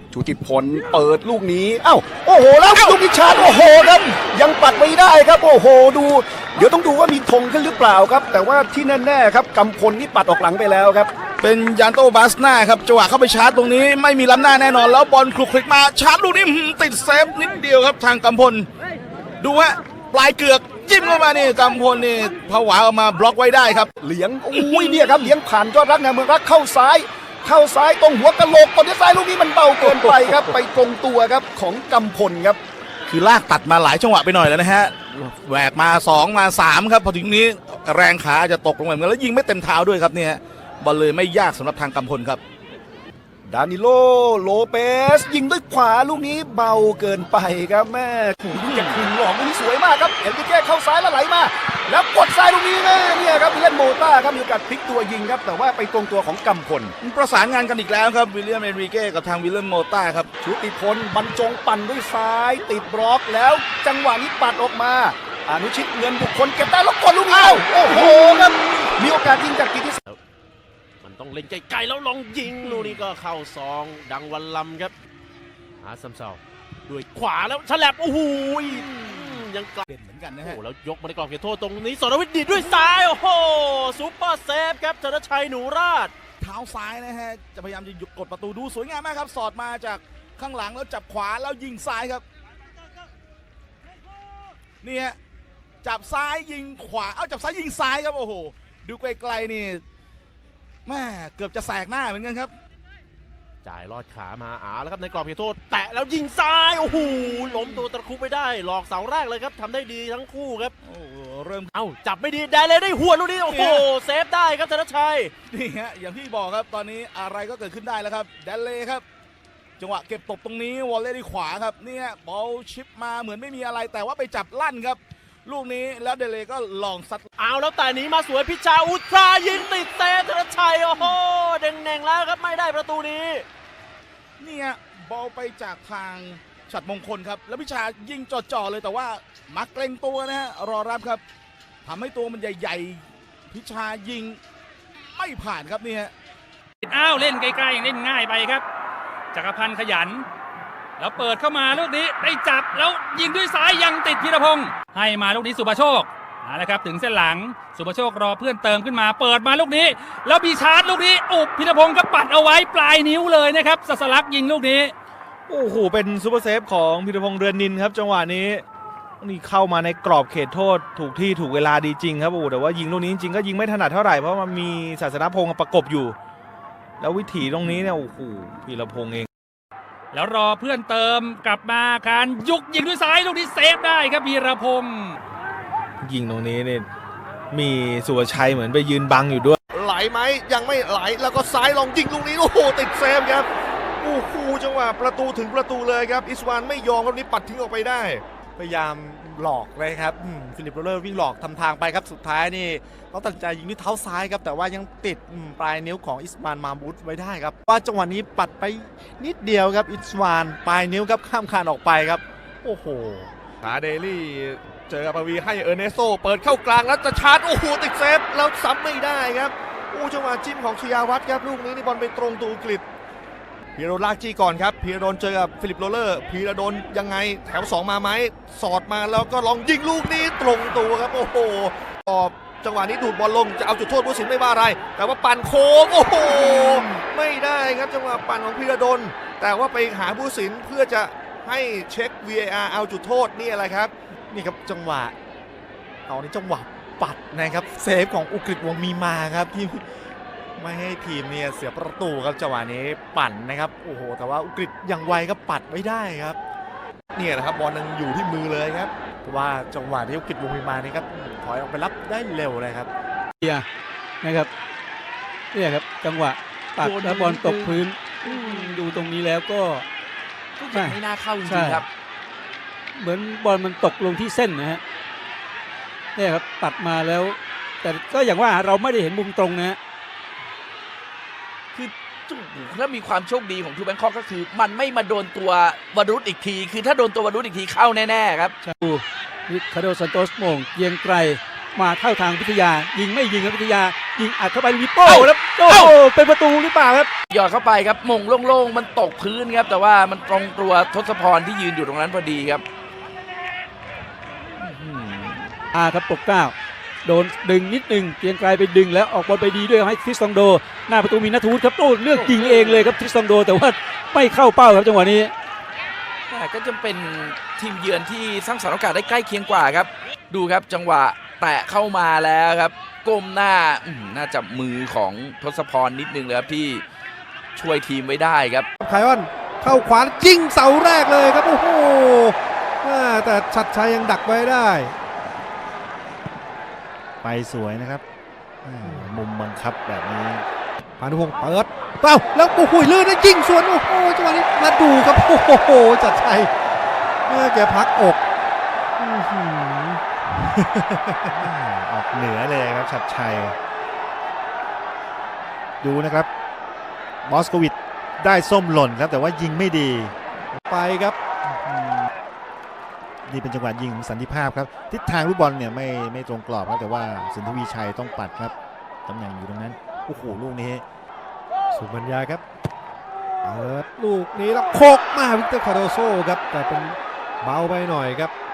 ชุติพลเปิดลูกนี้เอ้าโอ้โหแล้วลูกนิชาโอ้โหครับยังปัดไม่ได้ครับโอ้โหดูเดี๋ยวต้องดูว่ามีธงขึ้นหรือเปล่าครับแต่ว่าที่แน่ๆครับกำพลนี่ปัดออกหลังไปแล้วครับเป็นยานโตบาสนาครับจังหวะเข้าไปชาร์จตรงนี้ไม่มีล้ำหน้าแน่นอนแล้วบอลคลุกคลิกมาชาร์จลูกนี้ติดเซฟนิดเดียวครับทางกำพลดูฮะปลายเกือกจิ้มเข้ามานี่กำพลนี่ผวาออกมาบล็อกไว้ได้ครับเหลียงอุ้ยเนี่ยครับเหลียงผ่านยอดรักนะเมืองรักเข้าซ้ายตรงหัวกะโหลกตอนนี้ซ้ายลูกนี้มันเบาเกินไปครับไปตรงตัวครับของกำพลครับคือลากตัดมาหลายจังหวะไปหน่อยแล้วนะฮะแหวกมา2มา3ครับพอถึงนี้แรงขาจะตกลงไปเหมือนกันแล้วยิงไม่เต็มเท้าด้วยครับเนี่ยบอลเลยไม่ยากสำหรับทางกำพลครับดานิโลโลเปสยิงด้วยขวาลูกนี้เบาเกินไปครับแม่ขู่ดูจากคืนหลอกลูกนี้สวยมากครับเอ็นริเก้เข้าซ้ายแล้วไหลมาแล้วกดซ้ายลูกนี้แม่เนี่ยครับวิลเลียนโมต้าครับมีโอกาสพลิกตัวยิงครับแต่ว่าไปตรงตัวของกำพลประสานงานกันอีกแล้วครับวิลเลียมเอนริเก้กับทางวิลเลียนโมต้าครับชุติพลบรรจงปั่นด้วยซ้ายติดบล็อกแล้วจังหวะนี้ปัดออกมาอนุชิตเงินบุคคลเก็บได้แล้วกดลูกนี้โอ้โหครับมีโอกาสยิงจากกิติศักดิ์ต้องเล่นไกลๆแล้วลองยิงลูกนี้ก็เข้าซองดังวันลำครับอาซัมเซาด้วยขวาแล้วฉลับโอ้โหยังไกลเป็นเหมือนกันนะฮะโอ้แล้วยกมาในกรอบเขตโทษตรงนี้สรวิทย์ดีด้วยซ้ายโอ้โหซุปเปอร์เซฟครับธนชัยหนูราชเท้าซ้ายนะฮะจะพยายามจะหยุดกดประตูดูสวยงามมากครับสอดมาจากข้างหลังแล้วจับขวาแล้วยิงซ้ายครับนี่ฮะจับซ้ายยิงขวาเอาจับซ้ายยิงซ้ายครับโอ้โหดูไกลๆนี่แม่เกือบจะแสกหน้าเหมือนกันครับจ่ายลอดขามาแล้วครับในกรอบเขตโทษแตะแล้วยิงซ้ายโอ้โหล้มตัวตะคุบไม่ได้หลอกเสาแรกเลยครับทำได้ดีทั้งคู่ครับโอ้เริ่มจับไม่ดีได้เลยได้หัวลูกนี้โอ้โหเซฟได้ครับธนชัยนี่ฮะอย่างที่บอกครับตอนนี้อะไรก็เกิดขึ้นได้แล้วครับแดนเล่ครับจังหวะเก็บตบตรงนี้วอลเล่ที่ขวาครับเนี่ยบอลชิปมาเหมือนไม่มีอะไรแต่ว่าไปจับลั่นครับลูกนี้แล้วเดเลก็ลองซัดแล้วแต่นี้มาสวยพิชาอุตรายิงติดเซฟธนชัยโอ้โหเด้งๆแล้วครับไม่ได้ประตูนี้เนี่ยบอลไปจากทางฉัตรมงคลครับแล้วพิชายิงจ่อๆเลยแต่ว่ามักเกรงตัวนะฮะรอรับครับทำให้ตัวมันใหญ่ๆพิชายิงไม่ผ่านครับนี่ฮะเล่นใกล้ๆเล่นง่ายไปครับจักรพันธ์ขยันแล้วเปิดเข้ามาลูกนี้ได้จับแล้วยิงด้วยซ้ายยังติดพีรพงศ์ให้มาลูกนี้สุภโชคนะครับถึงเส้นหลังสุภโชครอเพื่อนเติมขึ้นมาเปิดมาลูกนี้แล้วมีชาร์จลูกนี้พีรพงศ์ก็ปัดเอาไว้ปลายนิ้วเลยนะครับสัสลักยิงลูกนี้โอ้โหเป็นซูเปอร์เซฟของพีรพงศ์เรือนนินครับจังหวะนี้นี่เข้ามาในกรอบเขตโทษถูกที่ถูกเวลาดีจริงครับแต่ว่ายิงลูกนี้จริงๆก็ยิงไม่ถนัดเท่าไหร่เพราะมันมีศาสนพงศ์ประกบอยู่แล้ววิถีตรงนี้เนี่ยโอ้โหพีรพงศ์เองแล้วรอเพื่อนเติมกลับมาการยิงด้วยซ้ายลูกนี้เซฟได้ครับพีรพงศ์ยิงตรงนี้เนี่ยมีสุวชัยเหมือนไปยืนบังอยู่ด้วยไหลไหมยังไม่ไหลแล้วก็ซ้ายลองยิงลูกนี้โอ้โหติดเซฟครับโอ้โหจังหวะประตูถึงประตูเลยครับอิสวานไม่ยอมครับนี้ปัดทิ้งออกไปได้พยายามหลอกเลยครับฟิลิปโรเลอร์วิ่งหลอกทำทางไปครับสุดท้ายนี่เขาตัดใจยิงด้วยเท้าซ้ายครับแต่ว่ายังติดปลายนิ้วของอิสวานมามูดไว้ได้ครับว่าจังหวะนี้ปัดไปนิดเดียวครับอิสวานปลายนิ้วครับข้ามคานออกไปครับโอ้โหขาเดลี่เจอกับปวีให้เออร์เนโซเปิดเข้ากลางแล้วจะชาร์จโอ้โหติดเซฟแล้วซ้ำไม่ได้ครับโอ้จังหวะจิ้มของชยาวัฒน์ครับลูกนี้นี่บอลไปตรงตัวอังกฤษพีระโดนลากจี้ก่อนครับพีระโดนเจอกับฟิลิปโรเลอร์พีระโดนยังไงแถว2มาไหมสอดมาแล้วก็ลองยิงลูกนี้ตรงตัวครับโอ้โหตอบจังหวะนี้ดูดบอลลงจะเอาจุดโทษผู้สินไม่ว่าอะไรแต่ว่าปั่นโค้งโอ้โหไม่ได้ครับจังหวะปั่นของพีระโดนแต่ว่าไปหาผู้สินเพื่อจะให้เช็ค VAR เอาจุดโทษนี่อะไรครับนี่ครับจังหวะนี่จังหวะปัดนะครับเซฟของอุกฤษวงศ์มีมาครับที่ไม่ให้ทีมเนี่ยเสียประตูครับจังหวะนี้ปั่นนะครับโอ้โหแต่ว่าอุกฤษยังไวก็ปัดไม่ได้ครับเนี่ยนะครับบอลยังอยู่ที่มือเลยครับเพราะว่าจังหวะที่อุกฤษวงศ์มีมานี่ครับถอยออกไปรับได้เร็วเลยครับนะครับเนี่ยครับจังหวะปัดแล้วบอลตกพื้นดูตรงนี้แล้วก็ไม่น่าเข้าจริงๆครับเหมือนบอลมันตกลงที่เส้นนะฮะเนี่ยครับปัดมาแล้วแต่ก็อย่างว่าเราไม่ได้เห็นมุมตรงนะฮะคือถ้ามีความโชคดีของทูแบงคอกก็คือมันไม่มาโดนตัววรุษอีกทีคือถ้าโดนตัววรุษอีกทีเข้าแน่ๆครับนิคาโดซันโตสโมงเยียงไกลมาเข้าทางวิทยายิงไม่ยิงครับวิทยายิงอัดเข้าไปลิโป้แล้วโอ้โหเป็นประตูหรือเปล่าครับหยอดเข้าไปครับมงโล่งๆมันตกพื้นครับแต่ว่ามันตรงตัวทศพรที่ยืนอยู่ตรงนั้นพอดีครับครับปกเกล้าโดนดึงนิดนึงเกรียงไกรไปดึงแล้วออกบอลไปดีด้วยให้ทริสตองโดหน้าประตูมีนัทวุฒิครับโต้เลือกยิงเองเลยครับทริสตองโดแต่ว่าไม่เข้าเป้าครับจังหวะนี้แต่ก็จะเป็นทีมเยือนที่สร้างสรรค์โอกาสได้ใกล้เคียงกว่าครับดูครับจังหวะแตะเข้ามาแล้วครับก้มหน้าน่าจะมือของทศพรนิดนึงเลยครับที่ช่วยทีมไว้ได้ครับไคออนเข้าขวายิงเสาแรกเลยครับโอ้โหแต่ชัดชัยยังดักไว้ได้ไปสวยนะครับมุมบังคับแบบนี้พานุพงศ์เปิดเป้าแล้วโอ้โหลื่นนะยิงสวนโอ้โหจังหวะนี้มาดูครับโอ้โหชัดชัยแกพักอกออกเหนือเลยครับชัดชัยดูนะครับมอสโควิดได้ส้มหล่นครับแต่ว่ายิงไม่ดีไปครับนี่เป็นจังหวะยิงของสันติภาพครับทิศทางลูกบอลเนี่ยไม่ตรงกรอบครับแต่ว่าสินทวีชัยต้องปัดครับตำแหน่งอยู่ตรงนั้นโอ้โหลูกนี้สุบัญญาครับเปิดลูกนี้แล้วโคกมาวิกเตอร์คาร์โดโซครับแต่เป็นเบาไปหน่อยครับ